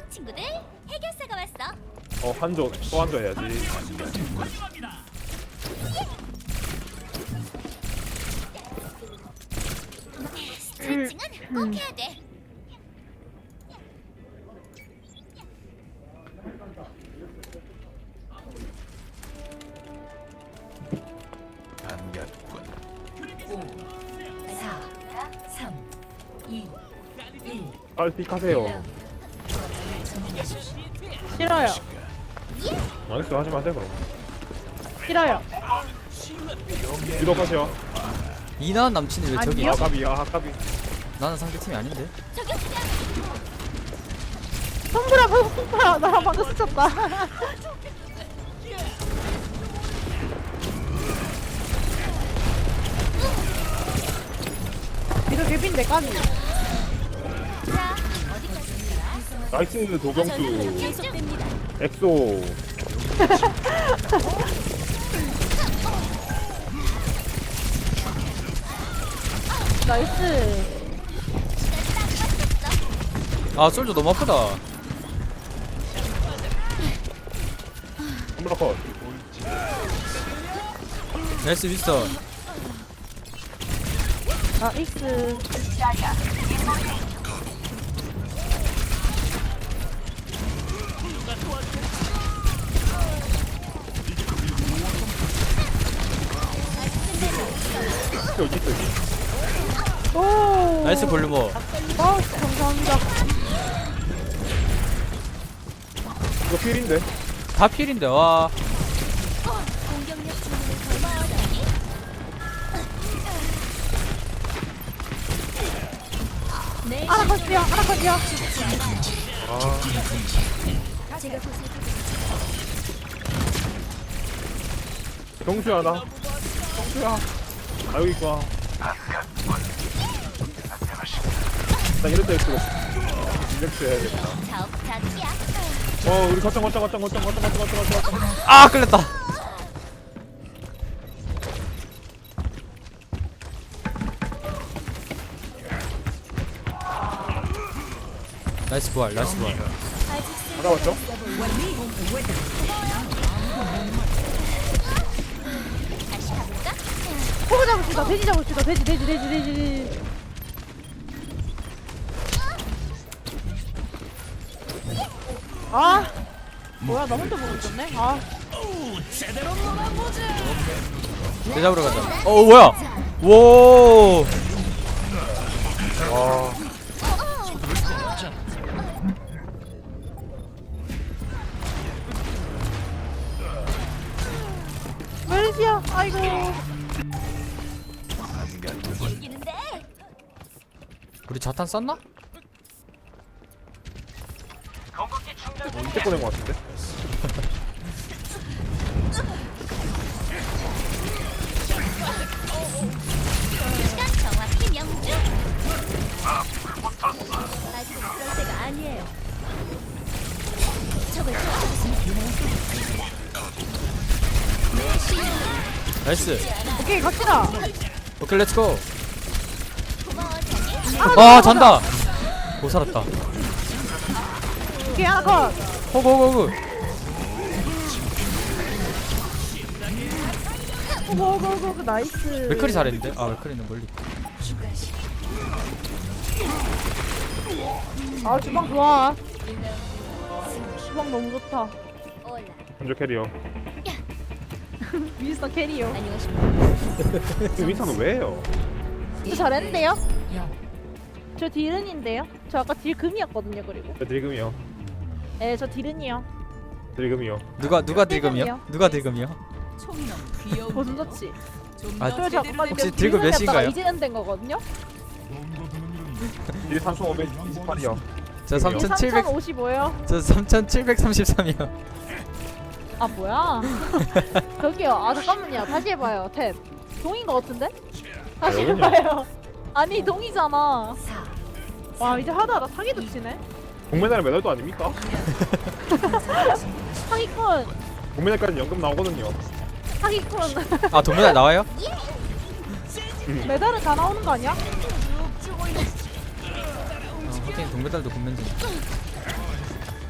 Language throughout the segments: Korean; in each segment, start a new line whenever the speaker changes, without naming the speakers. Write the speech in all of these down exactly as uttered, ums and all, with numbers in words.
친구들, 해결사가 왔어.
어 한조 또 한조 해야지.
스트레칭은 꼭 해야 돼.
빨리 하세요.
싫어요.
알겠어 하지 마세요 그럼.
싫어요.
유독 하세요.
이나은 남친이 왜 저기?
아니요.
아까비 아까비.
나는 상대팀이 아닌데.
성불아, 성불아, 나랑 방금 스쳤다. 이거 개빈데 까지.
자, 어디까지 가?
나이스 도경수.
계속됩니다.
엑소.
나이스.
아 솔저 너무 아프다.
홈블러컷.
나이스 윈스턴.
나이스.
여기 있어 여기.
오.
나이스 볼륨어.
어, 감사합니다.
이거 필인데.
다 필인데 와.
공격력 주문을 고마워하니? 내
아나컷이요, 아나컷이요.
아
제가 보살펴
경수야 나. 경수야. 아 여기 있구나. 나 이럴 때 엑소. 엑소 해야겠다.
자업자득이야.
어 우리 거점 거점 거점 거점 거점 거점 거점 거점.
아 끌렸다. 나이스 부활, 나이스 부활.
받아왔죠?
다시 가볼까?
포그 잡읍시다. 돼지 잡읍시다. 돼지, 돼지, 돼지, 돼지, 돼지. 아, 뭐야, 나 혼자 보고 있었네. 아,
내 잡으러 가자. 어 뭐야? 오.
와.
멜시야. 아이고.
이기는데.
우리 자탄 쌌나?
이때 꺼낸 것 같은데?
시간 정확히 명중. 아직은 그럴 때가 아니에요. 적을
나이스.
오케이, 갑시다.
오케이 렛츠고.
고마워하니?
아 잔다. 못 살았다.
오케이, 아나컷.
호그 호그 호그.
오고, 오고, 오고, 오고, 나이스.
맥클이 잘했는데? 아 맥클이는 멀리.
아, 주방 좋아. 주방 너무 좋다.
올라.
한조 캐리어.
미스터 캐리어.
안녕하십니까.
그 윈스턴은 왜 해요?
저 잘했는데요? 저 딜은인데요? 저 아까 딜 금이었거든요, 그리고.
저 딜금이요.
네, 저 딜은이요.
딜금이요.
누가 누가
딜금이요?
딜금이요? 누가 딜금이요?
보좀 좋지.
아
저 아까
혹시 딜금 몇인가요?
이제는 된 거거든요?
딜 삼천오백이십팔이요.
저 삼천칠백
삼천오십오요.
저 삼천칠백삼십삼이요.
아, 뭐야? 저기요. 아, 잠깐만요. 다시 해봐요. 탭. 동인 거 같은데? 다시
여기냐?
해봐요. 아니, 동이잖아. 와, 이제 하다하다 사기도 치네.
동메달 메달도 아닙니까?
사기꾼.
동메달까지 연금 나오거든요.
사기꾼.
아 동메달 나와요?
메달은 다 나오는 거 아니야?
어, 하긴 동메달도 군면제.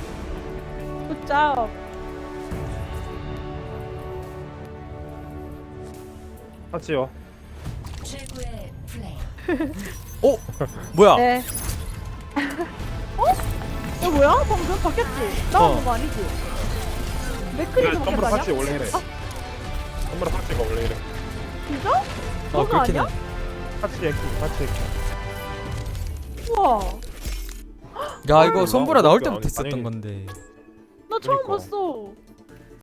굿잡.
같이요.
최고의 플레이.
오 뭐야?
네. 어? 이거 뭐야? 방금 바뀌었지? 나오는
어.
거 아니지? 맥크리도
썸브라
바뀌었다냐?
같이 원래 이래. 썸브라 같이가 원래 이래.
진짜?
어
그거
그렇긴 해.
아니야?
같이 액기 같이 액기.
우와.
야 이거 손보라 나올
아니,
때부터 있었던
아니.
건데.
나 처음
그러니까.
봤어.